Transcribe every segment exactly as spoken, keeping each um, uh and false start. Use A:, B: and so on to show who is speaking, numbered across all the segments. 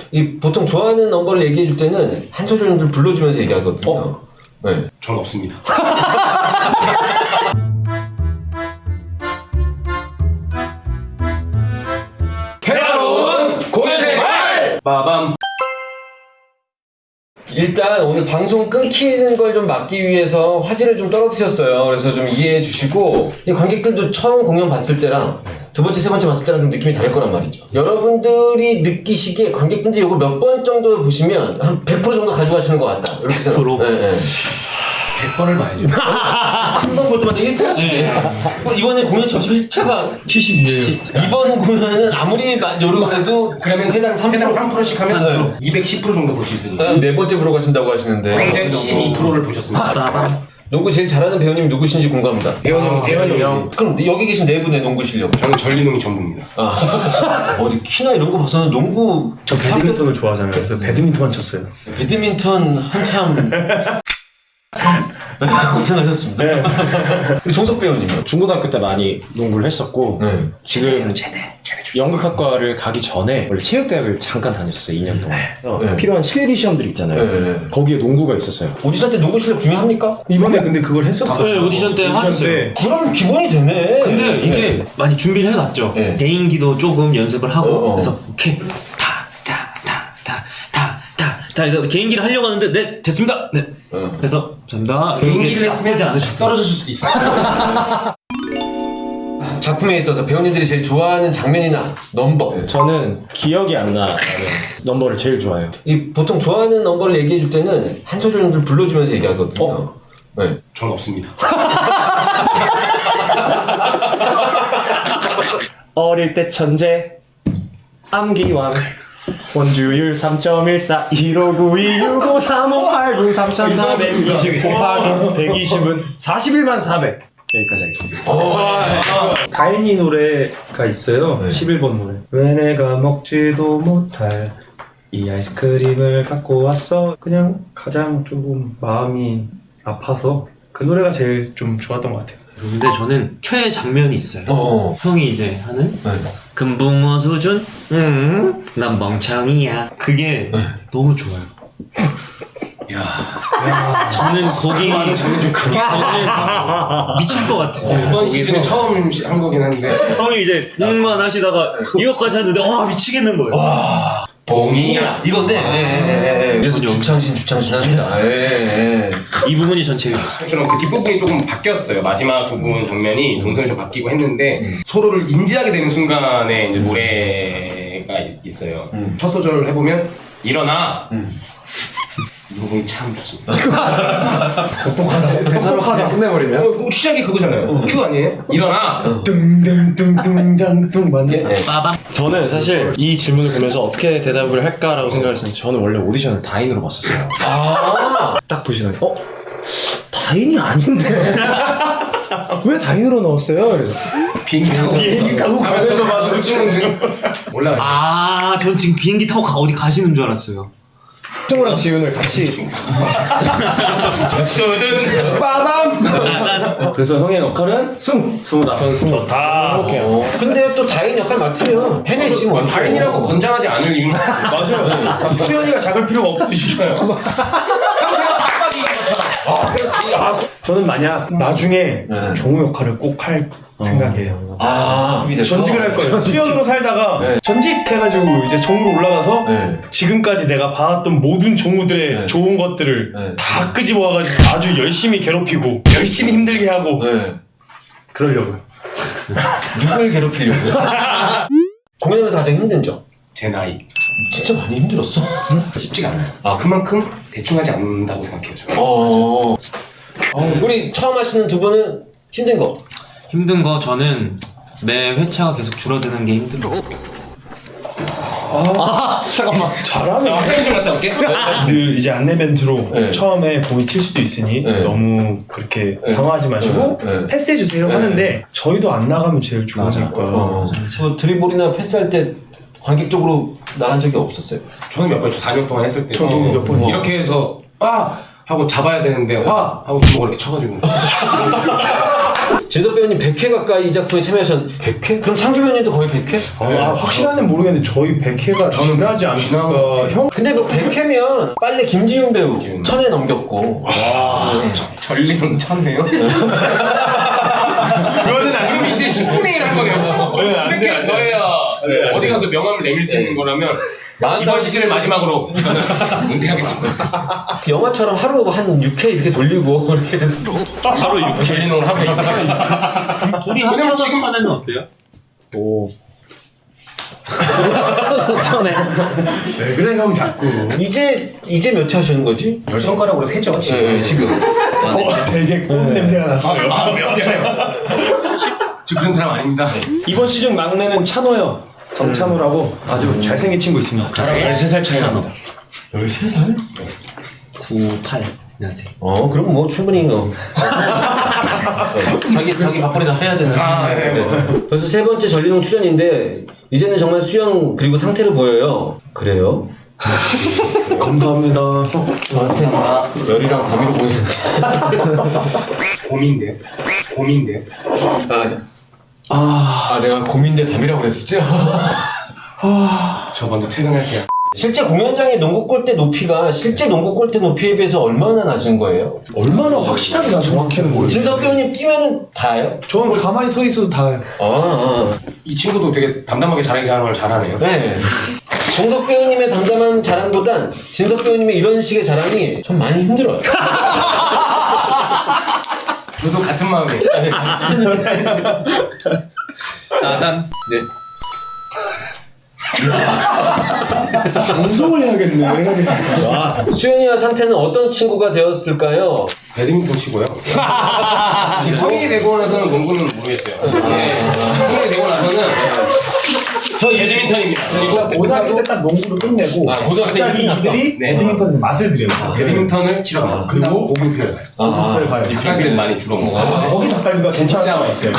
A: 이 보통 좋아하는 넘버를 얘기해 줄 때는 한 소절 정도 불러주면서 얘기하거든요.
B: 어?
A: 네.
C: 전 없습니다.
A: 해로운 고해생활!
C: 빠밤.
A: 일단 오늘 방송 끊기는 걸 좀 막기 위해서 화질을 좀 떨어뜨렸어요. 그래서 좀 이해해 주시고, 이 관객들도 처음 공연 봤을 때랑 두 번째, 세 번째 봤을 때랑 좀 느낌이 다를 거란 말이죠. 여러분들이 느끼시기에 관객분들이 이거 몇 번 정도 보시면 한 백 퍼센트 정도 가져가시는 것 같다. 이렇게 생각. 네, 네.
C: 백 번을 봐야죠.
A: 한 번 볼 때마다 일 퍼센트씩. 뭐 이번에 공연 전체 회차가
B: 칠십이에요.
A: 이번 공연은 아무리 노력을 해도
C: 그러면
A: 해당 삼 퍼센트
C: 해당 삼 퍼센트씩 하면 이백십 퍼센트 정도 볼 수 있으니까.
A: 네 번째 보러 가신다고 하시는데
C: 현재 십이 퍼센트를 보셨습니다.
A: 농구 제일 잘하는 배우님이 누구신지 궁금합니다.
C: 대현형, 대현형.
A: 그럼 여기 계신 네 분의 농구 실력.
C: 저는 전리농이 전부입니다.
A: 아. 어디 키나 이런 거 봐서는 농구
B: 저 배드민턴을 좋아하잖아요. 그래서 배드민턴만 쳤어요.
A: 배드민턴 한참 고생하셨습니다. 네. 정석 배우님은
D: 중고등학교 때 많이 농구를 했었고
A: 네.
D: 지금 연극학과를 가기 전에 원래 체육대학을 잠깐 다녔었어요. 이 년 동안. 어,
A: 네.
D: 필요한 실기 시험들 있잖아요.
A: 네, 네.
D: 거기에 농구가 있었어요.
A: 오디션 때 농구 실력 중요합니까?
B: 이번에 근데 그걸 했었어요.
E: 네, 오디션 때 하셨어요.
A: 그럼 기본이 되네.
E: 근데 이게
A: 네.
E: 많이 준비를 해놨죠.
A: 네.
E: 개인기도 조금 연습을 하고
A: 어, 어.
E: 그래서 오케이 타타타타타타타 이거 개인기를 하려고 하는데 네 됐습니다. 네.
A: 어.
E: 그래서 감사합니다.
C: 개인기를
E: 나쁘지
C: 했으면
E: 않으셨어요.
C: 떨어졌을 수도 있어요.
A: 작품에 있어서 배우님들이 제일 좋아하는 장면이나 넘버.
D: 저는 기억이 안 나는 넘버를 제일 좋아해요.
A: 이 보통 좋아하는 넘버를 얘기해 줄 때는 한 소절 정도 불러주면서 얘기하거든요.
D: 어?
A: 네.
C: 전 없습니다.
D: 어릴 때 천재 암기왕 원주율 삼 점 일사 일오구이 육오 삼오 팔구 삼천사백이십 곱하기 백이십은 사십일만 사백 여기까지 하겠습니다.
B: 다인이 노래가 있어요.
A: 네.
B: 십일 번 노래. 왜 내가 먹지도 못할 이 아이스크림을 갖고 왔어. 그냥 가장 조금 마음이 아파서 그 노래가 제일 좀 좋았던 것 같아요.
E: 근데 저는 최애 장면이 있어요.
A: 어.
E: 형이 이제 하는
A: 네.
E: 금붕어 수준 음, 난 멍청이야. 그게 너무 좋아요.
C: 야,
E: 저는 거기
C: 많은 장면 좀 크게.
E: 저는 미칠 것 같아요.
C: 이번 시즌에 처음 시- 한 거긴 한데.
E: 형이 이제 음만 하시다가 이것까지 하는데 와 미치겠는 거예요.
C: 봉이야.
A: 이건데. 예, 예, 예, 예. 그래서 주창신 주창신 합니다. 예, 예.
E: 이 부분이 전 제일 좋아요.
C: 저는 그 뒷부분이 조금 바뀌었어요. 마지막 부분 장면이 동선이 좀 바뀌고 했는데 서로를 인지하게 되는 순간에 이제 노래가 있어요.
A: 음.
C: 첫 소절을 해보면 일어나.
A: 음.
C: 이 부분이 참 좋습니다.
D: 대사로 끝내버리면
C: 어, 시작이 그거잖아요. 큐 아니에요? 일어나.
D: 뚱뚱뚱뚱뚱뚱 맞네.
A: 예.
E: 빠밤.
D: 저는 사실 이 질문을 보면서 어떻게 대답을 할까라고 생각을 했었는데 저는 원래 오디션을 다인으로 봤었어요.
A: 아.
D: 딱 보시더니 어? 다인이 아닌데? 왜 다인으로 넣었어요? 그래서
C: 비행기 타고
D: 비행기 타고
C: 가면서 봐도 수능 올라가.
E: 아, 전 지금 비행기 타고 가, 어디 가시는 줄 알았어요.
D: 승우랑 지훈을 같이
C: 빠밤.
B: 그래서 형의 역할은 승! 승우다. 전 승우. 좋다.
A: 어. 근데 또 다인 역할 맡으면 해내지 뭐.
C: 다인이라고 건장하지 않을 이유는 맞아요. 수현이가 작을 필요가 없듯이. 상대가 빡빡이 것처럼.
B: 저는 만약 나중에
A: 네.
B: 종우 역할을 꼭 할 생각이에요.
A: 아, 합의돼서?
B: 전직을 할 거예요. 수연으로 살다가
A: 네.
B: 전직해가지고 이제 종으로 올라가서
A: 네.
B: 지금까지 내가 봐왔던 모든 종우들의
A: 네.
B: 좋은 것들을
A: 네.
B: 다 끄집어 와가지고 아주 열심히 괴롭히고 열심히 힘들게 하고
A: 네.
B: 그러려고요.
A: 누굴 괴롭히려고? 공연하면서 가장 힘든 점?
C: 제 나이
A: 진짜 많이 힘들었어?
C: 쉽지가 않아요. 아 그만큼 대충 하지 않는다고 생각해요. 저는.
A: 어. 어, 우리 처음 하시는 두 분은 힘든 거?
E: 힘든 거 저는 매 회차가 계속 줄어드는 게 힘든 거.
D: 잠깐만
B: 잘하네.
C: 나 화장 좀 갔다 올게.
B: 그 이제 안내 멘트로
A: 네.
B: 처음에 공이 튈 수도 있으니
A: 네.
B: 너무 그렇게
A: 네.
B: 당황하지 마시고
A: 네. 네.
B: 패스해 주세요
A: 네.
B: 하는데 저희도 안 나가면 제일 좋으니까.
A: 어. 저 드리블이나 패스할 때 관객적으로 나간 적이 없었어요.
C: 저는 몇 번 사 년 동안 했을 때
B: 저도 몇 번.
C: 이렇게 해서 와 하고 잡아야 되는데 와 하고 주먹을 이렇게 쳐가지고
A: 진석 배우님 백 회 가까이 이 작품에 참여하셨. 백 회? 그럼 창조 배우님도 거의 백 회?
B: 아, 확실한는 모르겠는데 저희 백 회가 지나지 않을까. 형
A: 근데 뭐 백 회면 빨리 김지훈 배우 천 회 넘겼고.
C: 전리는 천네요. 그거는 안 그러면 이제 십분의 일 한 거네요. 백 개를 더해야 어디 가서 명함을 내밀 수 있는 거라면 이번 시즌을 마지막으로 저는 은퇴하겠습니다.
A: 영화처럼 하루 한 육 회 이렇게 돌리고 이렇게 해서
C: 하루 육 전리농을 하고 있는
E: 둘이
C: 왜냐면
E: 합쳐서
C: 지금-
E: 천에는 어때요?
D: 오. 천에.
B: 왜 그래 형 자꾸.
A: 이제 이제 몇 회 하시는 거지?
C: 열 손가락으로 세죠 지금.
A: 네, 지금.
B: 어, 되게 꽃 냄새가 났어.
C: 아, 미안해요. 저 그런 사람 아닙니다.
B: 이번 시즌 막내는 찬호 형. 정찬호라고 아주 잘생긴 친구 있습니다. 저랑 열세 살 차이 납니다.
A: 열세 살?
E: 구십팔 년생.
A: 어, 그럼 뭐 충분히 어. 자기 자기 밥벌이 다 해야 되는.
C: 아, 네, 뭐.
A: 벌써 세 번째 전리농 출연인데 이제는 정말 수영 그리고 상태를 보여요. 그래요?
B: 감사합니다.
A: 저한테 열이랑 담이로 보이는데.
C: 곰인데요. 곰인데요.
A: 아, 아 내가 고민대 담이라고 그랬었죠?
C: 저 먼저 퇴근할게요.
A: 실제 공연장의 농구 골대 높이가 실제 농구 골대 높이에 비해서 얼마나 낮은 거예요?
B: 얼마나 확실하게 나 정확히는 모르겠어.
A: 진석 배우님 뛰면은 다예요?
B: 저는 가만히 서 있어도 다.
A: 아, 아.
C: 이 친구도 되게 담담하게 자기 자랑을 잘하네요.
A: 네. 정석 배우님의 담담한 자랑보단 진석 배우님의 이런 식의 자랑이 좀 많이 힘들어요.
C: 저도 같은 마음이에요.
E: 나단.
A: 네.
B: 방송을 해야겠네.
A: 와. 수현이와 상태는 어떤 친구가 되었을까요?
C: 배드민턴 치고요. 지금 성인이 되고 나서는 농구는 모르겠어요. 네. 성인이 되고 나서는 저 배드민턴입니다. 그리고
B: 고등학교 때 딱 농구를 끝내고
A: 아, 고등학교 때
B: 갑자기
A: 끝났어?
B: 이들이
C: 네.
B: 배드민턴 맛을 들여요.
C: 배드민턴을 치러 가요. 그리고 고분편을 가요.
B: 고등학교를 가요.
C: 닭갈비는 많이 주로 먹어요.
B: 아, 거기 닭갈비가
C: 진짜
B: 진짜
C: 맛있어요.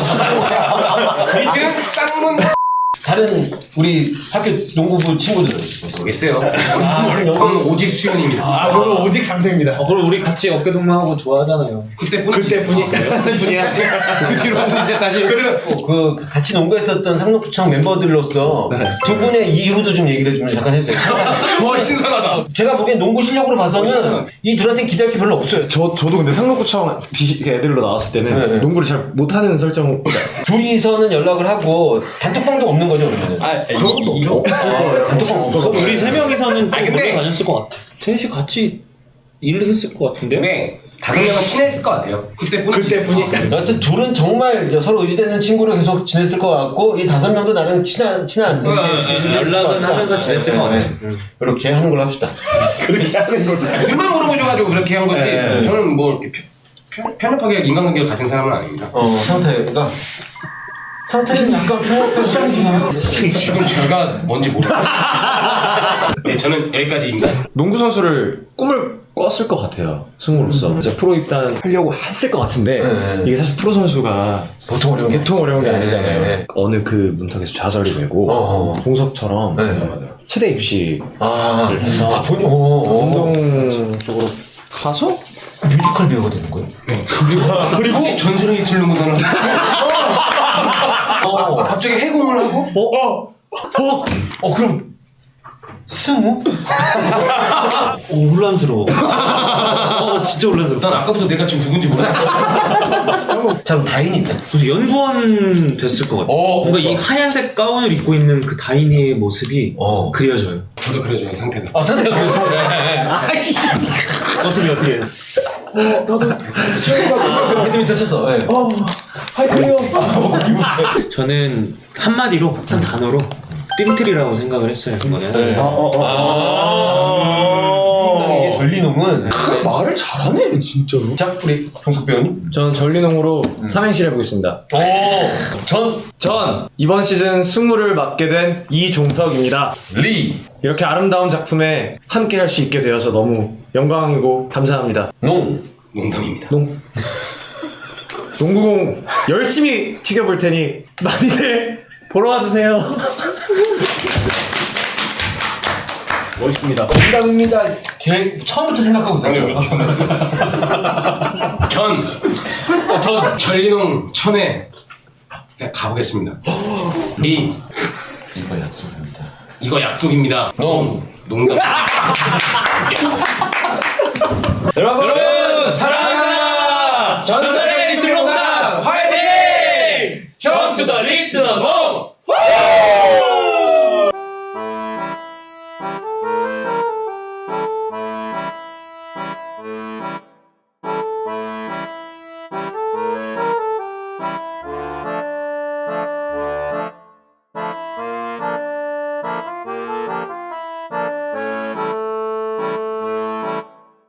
C: 지금 쌍문
A: 다른 우리 학교 농구부 친구들은
C: 모르겠어요. 저는 오직 수연입니다.
B: 아, 저는 오직 상태입니다.
E: 어, 그럼 우리 같이 어깨 동무하고 좋아하잖아요.
C: 그때뿐
B: 그때뿐이
E: 분이야. 그 뒤로는 이제 다시.
C: 그리고
A: 그 같이 농구했었던 상록구청 멤버들로서 두 분의 이후도 좀 얘기를 좀 잠깐 해주세요.
C: 와 신선하다.
A: 제가 보기엔 농구 실력으로 봐서는 이 둘한테 기대할 게 별로 없어요.
D: 저 저도 근데 상록구청 비- 애들로 나왔을 때는
A: 네, 네.
D: 농구를 잘 못하는 설정.
A: 둘이서는 연락을 하고 단톡방도 없는 거죠 그러면?
B: 아, 그런 것도 없죠.
A: 단톡방 없어?
E: 우리 세 명이서는 또
C: 아니, 근데-
E: 몰래 다녔을 것 같아. 셋이 같이 일을 했을 것 같은데요?
C: 네 다섯 명은 친했을 것 같아요. 그때뿐.
B: 그때뿐이.
A: 여하튼 둘은 정말 서로 의지되는 친구로 계속 지냈을 것 같고 이 다섯 명도 나름 친한 친한 이렇게
C: 어,
A: 이렇게
C: 어,
A: 지냈을 것
E: 연락은
A: 같다.
E: 하면서 지냈을
A: 네,
E: 것
A: 네,
E: 같아요.
A: 네. 이렇게 하는 걸로 합시다.
B: 그렇게 하는 걸로.
C: 둘만 물어보셔가지고 그렇게 한 거지.
A: 네.
C: 저는 뭐 이렇게 편- 편- 편협하게 인간관계를 가진 사람은 아닙니다.
A: 어 상태가 상태는 약간 평범한
C: 지금 제가 뭔지 모르겠어요. 네, 저는 여기까지입니다.
D: 농구 선수를 꿈을 꿨을 것 같아요. 승우로서 이제 프로 입단 하려고 했을 것 같은데
A: 네.
D: 이게 사실 프로 선수가
A: 보통 어려운 게
D: 보통 어려운 게
A: 네,
D: 아니잖아요.
A: 네, 네.
D: 어느 그 문턱에서 좌절이 되고
A: 어.
D: 동섭처럼
A: 네.
D: 체대 입시
A: 아,
D: 해서
A: 아 본인 어, 어.
D: 운동 쪽으로 가서
A: 뮤지컬 배우가 되는 거예요?
C: 네. 그리고 그리고 전술의 틀는 무대를
A: 어.
C: 갑자기 해공을 하고
A: 어? 어? 어 그럼 승우?
E: 오, 혼란스러워. 어, 진짜 혼란스러워.
C: 난 아까부터 내가 지금 누군지 몰랐어.
A: 자 그럼 다인인데?
E: 무슨 연구원 됐을 것 같아.
A: 어,
E: 뭔가 이 하얀색 가운을 입고 있는 그 다인이의 모습이
A: 어.
E: 그려져요.
C: 저도 그래줘요 상태가.
A: 아 상태가 그랬어요.
E: 어떻게 어떻게?
A: 배드민턴 쳤어. 네.
B: 하이크요.
E: 저는 한마디로 한 단어로 띵틀이라고 생각을 했어요. 그거는.
A: 네.
B: 어, 어, 어.
A: 아, 이게 전리농은
B: 말을 잘하네, 진짜로.
A: 자 우리 동석 배우님.
D: 저는 전리농으로 삼행시를 해보겠습니다.
A: 오, 전
D: 전 이번 시즌 승우를 맡게 된 이종석입니다.
A: 리,
D: 이렇게 아름다운 작품에 함께 할 수 있게 되어서 너무 영광이고 감사합니다.
A: 농,
C: 농담입니다.
D: 농 농구공 열심히 튀겨볼 테니 많이들 보러 와주세요.
B: 멋있습니다.
A: 농담입니다. 계획 처음부터 생각하고 있었죠.
C: 전, 전 전리농 천에 가보겠습니다. 리,
A: 이거 약속입니다.
C: 이거 약속입니다.
A: 농.
C: 농담.
A: 여러분, 여러분 사랑합니다. 전설의 리틀 농담 화이팅! 전투 더 리틀 농담.